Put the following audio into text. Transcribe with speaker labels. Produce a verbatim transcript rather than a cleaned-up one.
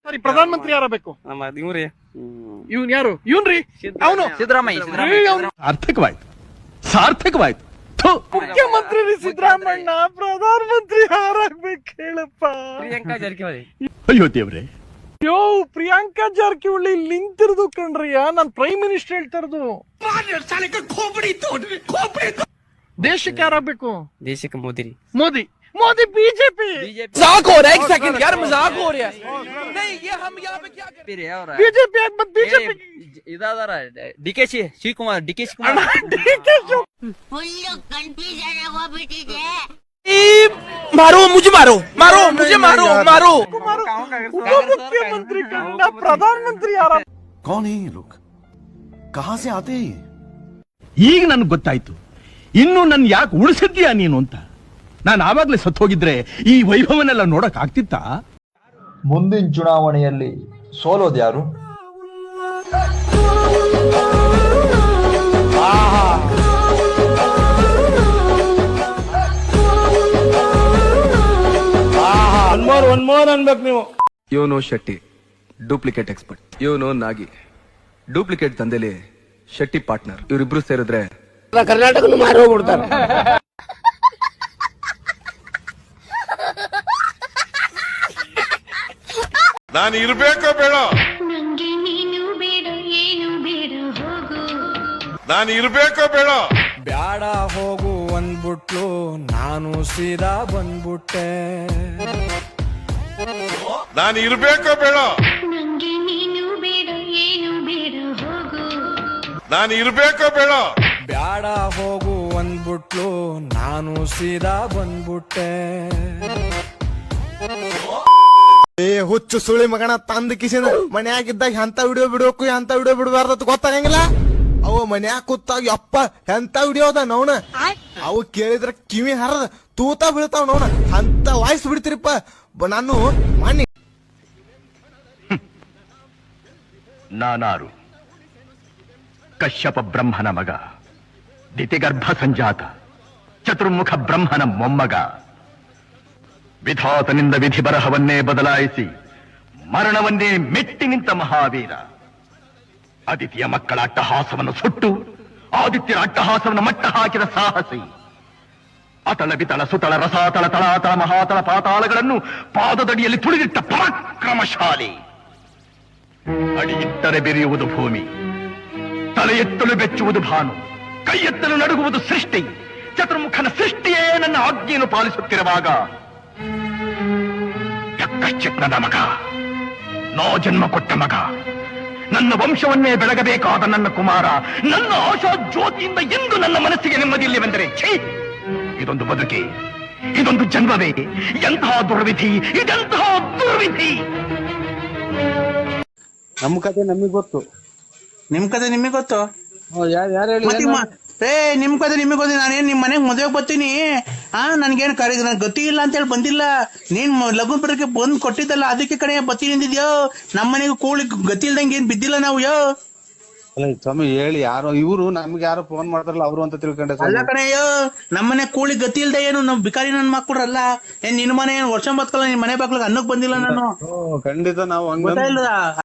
Speaker 1: ಸರಿ, ಪ್ರಧಾನ ಮಂತ್ರಿ ಯಾರಬೇಕು?
Speaker 2: ನಮ್ಮ ಇವ್ರಿ
Speaker 1: ಇವ್ನ್ ಯಾರು? ಇವ್ನ್ರಿ ಅವನು
Speaker 2: ಸಿದ್ದರಾಮಯ್ಯ.
Speaker 3: ಸಾರ್ಥಕವಾಯ್ತು ಸಾರ್ಥಕವಾಯ್ತು.
Speaker 1: ಮುಖ್ಯಮಂತ್ರಿ ಸಿದ್ದರಾಮಣ್ಣ. ಪ್ರಧಾನ ಮಂತ್ರಿ ಯಾರಾಗ್ಬೇಕು ಹೇಳಪ್ಪ?
Speaker 2: ಪ್ರಿಯಾಂಕಾ ಜಾರಕಿಹೊಳಿ.
Speaker 3: ಅಯ್ಯೋ ದೇವ್ರೆ,
Speaker 1: ಯೋ ಪ್ರಿಯಾಂಕಾ ಜಾರಕಿಹೊಳಿ ನಿಂತಿರೋದು ಕಣ್ರಿಯ. ನಾನ್ ಪ್ರೈಮ್ ಮಿನಿಸ್ಟರ್ ಹೇಳ್ತಿರೋದು. ದೇಶಕ್ಕೆ ಯಾರಾಗ್ಬೇಕು?
Speaker 2: ದೇಶಕ್ಕೆ ಮೋದಿ ರೀ.
Speaker 1: ಮೋದಿ. ಮೋದಿ ಬಿಜೆಪಿ.
Speaker 4: मजाक हो रहा है, एक सेकंड यार, मजाक हो रहा है। नहीं, ये हम यहाँ पे क्या
Speaker 1: ಬಿಜೆಪಿ ಯಾಕೆ ಬಂದ್? ಬಿಜೆಪಿ
Speaker 2: ಇದಾದಾರ ಡಿ ಕೆ ಶಿ Shivakumar D K Shivakumar
Speaker 5: full confusion ಆಗೋಗ್ಬಿಟ್ಟಿದೆ.
Speaker 4: मारो मुझे, मारो मारो मुझे, मारो मारो।
Speaker 1: ಮುಖ್ಯಮಂತ್ರಿ ಕಂಡ ಪ್ರಧಾನ ಮಂತ್ರಿ ಯಾರ?
Speaker 6: कौन है ये लोग? कहां से आते हैं?
Speaker 3: ಈಗ ನನ್ಗೆ ಗೊತ್ತಾಯ್ತು, ಇನ್ನು ನನ್ ಯಾಕೆ ಉಳಿಸಿದ್ಯಾ ನೀನು ಅಂತ. ನಾನು ಆವಾಗ್ಲೇ ಸತ್ತು ಹೋಗಿದ್ರೆ ಈ ವೈಭವನೆಲ್ಲ ನೋಡಕ್ ಆಗ್ತಿತ್ತಾ?
Speaker 7: ಮುಂದಿನ ಚುನಾವಣೆಯಲ್ಲಿ ಸೋಲೋದ್ಯಾರು?
Speaker 1: ಒನ್ ಮೋರ್ ಅನ್ಬೇಕು ನೀವು.
Speaker 8: ಇವನು ಶೆಟ್ಟಿ ಡೂಪ್ಲಿಕೇಟ್ ಎಕ್ಸ್ಪರ್ಟ್, ಇವನು ನಾಗಿ ಡೂಪ್ಲಿಕೇಟ್ ದಂಧೆಲಿ ಶೆಟ್ಟಿ ಪಾರ್ಟ್ನರ್. ಇವರಿಬ್ರು ಸೇರಿದ್ರೆ
Speaker 4: कर्नाटक मार होग्बिಡ್ತಾರೆ.
Speaker 6: ನಾನು ಇರಬೇಕೋ ಬೇಡ?
Speaker 5: ನಂಗೆ ನೀನು ಬೇಡ, ಏನು ಬೇಡ, ಹೋಗು.
Speaker 6: ನಾನು ಇರಬೇಕೋ ಬೇಡ?
Speaker 4: ಬ್ಯಾಡ ಹೋಗು ಅಂದ್ಬಿಟ್ಲು, ನಾನು ಸೀದಾ ಬಂದ್ಬಿಟ್ಟೆ.
Speaker 6: ನಾನು ಇರಬೇಕೋ ಬೇಡ?
Speaker 5: ನಂಗೆ ನೀನು ಬೇಡ, ಏನು ಬೇಡ, ಹೋಗು.
Speaker 6: ನಾನು ಇರಬೇಕೋ ಬೇಡ?
Speaker 4: ಬ್ಯಾಡ ಹೋಗು ಅಂದ್ಬಿಟ್ಲು, ನಾನು ಸೀದಾ ಬಂದ್ಬಿಟ್ಟೆ.
Speaker 9: ಏ ಹುಚ್ಚು ಸುಳಿ ಮಗನ ತಂದ ಕಿಸಿನ ಮನ್ಯಾಗಿದ್ದಾಗ ಎಂತ ವಿಡಿಯೋ ಬಿಡ್ಬೇಕು ಎಂತ ವಿಡಿಯೋ ಬಿಡಬಾರ್ದ ಗೊತ್ತಾಗಂಗಿಲ್ಲ. ಅವ ಮನ್ಯಾಗ ಕೂತಾಗ ಯಪ್ಪ ಎಂತ ವಿಡಿಯೋ ಅದ ನವನ, ಅವು ಕೇಳಿದ್ರ ಕಿವಿ ಹರದ ತೂತ ಬೀಳ್ತಾವ ನವನ, ಅಂತ ವಾಯ್ಸ್ ಬಿಡ್ತಿರಿಪ್ಪ. ನಾನು ಮಾನ್ಯ
Speaker 3: ನಾನಾರು ಕಶ್ಯಪ ಬ್ರಹ್ಮನ ಮಗ, ದಿತಿಗರ್ಭ ಸಂಜಾತ, ಚತುರ್ಮುಖ ಬ್ರಹ್ಮನ ಮೊಮ್ಮಗ. ವಿಧಾತನಿಂದ ವಿಧಿ ಬರಹವನ್ನೇ ಬದಲಾಯಿಸಿ ಮರಣವನ್ನೇ ಮೆಟ್ಟಿ ನಿಂತ ಮಹಾವೀರ. ಅದಿತಿಯ ಮಕ್ಕಳ ಅಟ್ಟಹಾಸವನ್ನು ಸುಟ್ಟು ಆದಿತ್ಯರ ಅಟ್ಟಹಾಸವನ್ನು ಮಟ್ಟ ಹಾಕಿದ ಸಾಹಸಿ. ಅತಳ ಬಿತಳ ಸುತಳ ರಸಾತಳ ತಳಾತಳ ಮಹಾತಳ ಪಾತಾಳಗಳನ್ನು ಪಾದದಡಿಯಲ್ಲಿ ತುಳಿದಿಟ್ಟ ಪರಾಕ್ರಮಶಾಲಿ. ಅಡಿ ಇಟ್ಟರೆ ಬೆರೆಯುವುದು ಭೂಮಿ, ತಲೆ ಎತ್ತಲು ಬೆಚ್ಚುವುದು ಭಾನು, ಕೈ ಎತ್ತಲು ನಡುಗುವುದು ಸೃಷ್ಟಿ. ಚತುರ್ಮುಖನ ಸೃಷ್ಟಿಯೇ ನನ್ನ ಆಜ್ಞೆಯನ್ನು ಪಾಲಿಸುತ್ತಿರುವಾಗ ಯಕ್ಕಶ್ಚಿತ್ ನನ್ನ ಮಗ, ನೋ ಜನ್ಮ ಕೊಟ್ಟ ಮಗ, ನನ್ನ ವಂಶವನ್ನೇ ಬೆಳಗಬೇಕಾದ ನನ್ನ ಕುಮಾರ, ನನ್ನ ಆಶಾ ಜ್ಯೋತಿಯಿಂದ ಎಂದು ನನ್ನ ಮನಸ್ಸಿಗೆ ನೆಮ್ಮದಿಯಿಲ್ಲವೆಂದರೆ ಛೀ, ಇದೊಂದು ಬದುಕಿ, ಇದೊಂದು ಜನ್ಮವೇ, ಎಂತಹ ದುರ್ವಿಧಿ, ಇದೆಂತಹ ದುರ್ವಿಧಿ.
Speaker 9: ನಮ್ ಕತೆ ನಮಗ್ ಗೊತ್ತು,
Speaker 10: ನಿಮ್ ಕತೆ ನಿಮಗ್ ಗೊತ್ತು.
Speaker 9: ಯಾರು
Speaker 10: ಏ ನಿಮ್ ಕತೆ ನಿಮಗ್ ಗೊತ್ತಿ. ನಾನೇನ್ ನಿಮ್ ಮನೆಗ್ ಮದ್ವೆಗ್ ಬರ್ತೀನಿ, ಆ ನನ್ಗೇನ್ ಕರೀ ನನ್ ಗತಿ ಇಲ್ಲ ಅಂತ ಹೇಳಿ ಬಂದಿಲ್ಲ. ನೀನ್ ಲಗ್ನ ಬರಕ್ಕೆ ಬಂದ್ ಕೊಟ್ಟಿದ್ದಲ್ಲ, ಅದಕ್ಕೆ ಕಡೆ ಬತ್ತಿ ನಿಂತಿದ್ಯೋ. ನಮ್ ಮನೆಗೆ ಕೂಳಿ ಗತಿ ಇಲ್ದಂಗೆ ಏನ್ ಬಿದ್ದಿಲ್ಲ ನಾವು. ಯೋ
Speaker 9: ಸ್ವಾಮಿ ಹೇಳಿ, ಯಾರೋ ಇವ್ರು ನಮ್ಗೆ ಯಾರೋ ಫೋನ್ ಮಾಡ್ತಾರಲ್ಲ ಅವರು ಅಂತ ತಿಳ್ಕೊಂಡೆ.
Speaker 10: ಅಲ್ಲ ಕಣಯ್ಯೋ, ನಮ್ಮನೆ ಕೂಳಿ ಗತಿ ಇಲ್ದೆ ಏನು ನಮ್ ಬಿಕಾರಿ ನನ್ ಮಕ್ಕಳಲ್ಲ. ಏನ್ ನಿನ್ ಮನೆ ಏನ್ ವರ್ಷ ಬತ್ಕಲ್ಲ, ನಿನ್ ಮನೆ ಬಾಗ್ಲಿಗೆ ಅನ್ನಕ್ ಬಂದಿಲ್ಲ ನಾನು.
Speaker 9: ಖಂಡಿತ ನಾವು
Speaker 10: ಗೊತ್ತಾ ಇಲ್ಲ.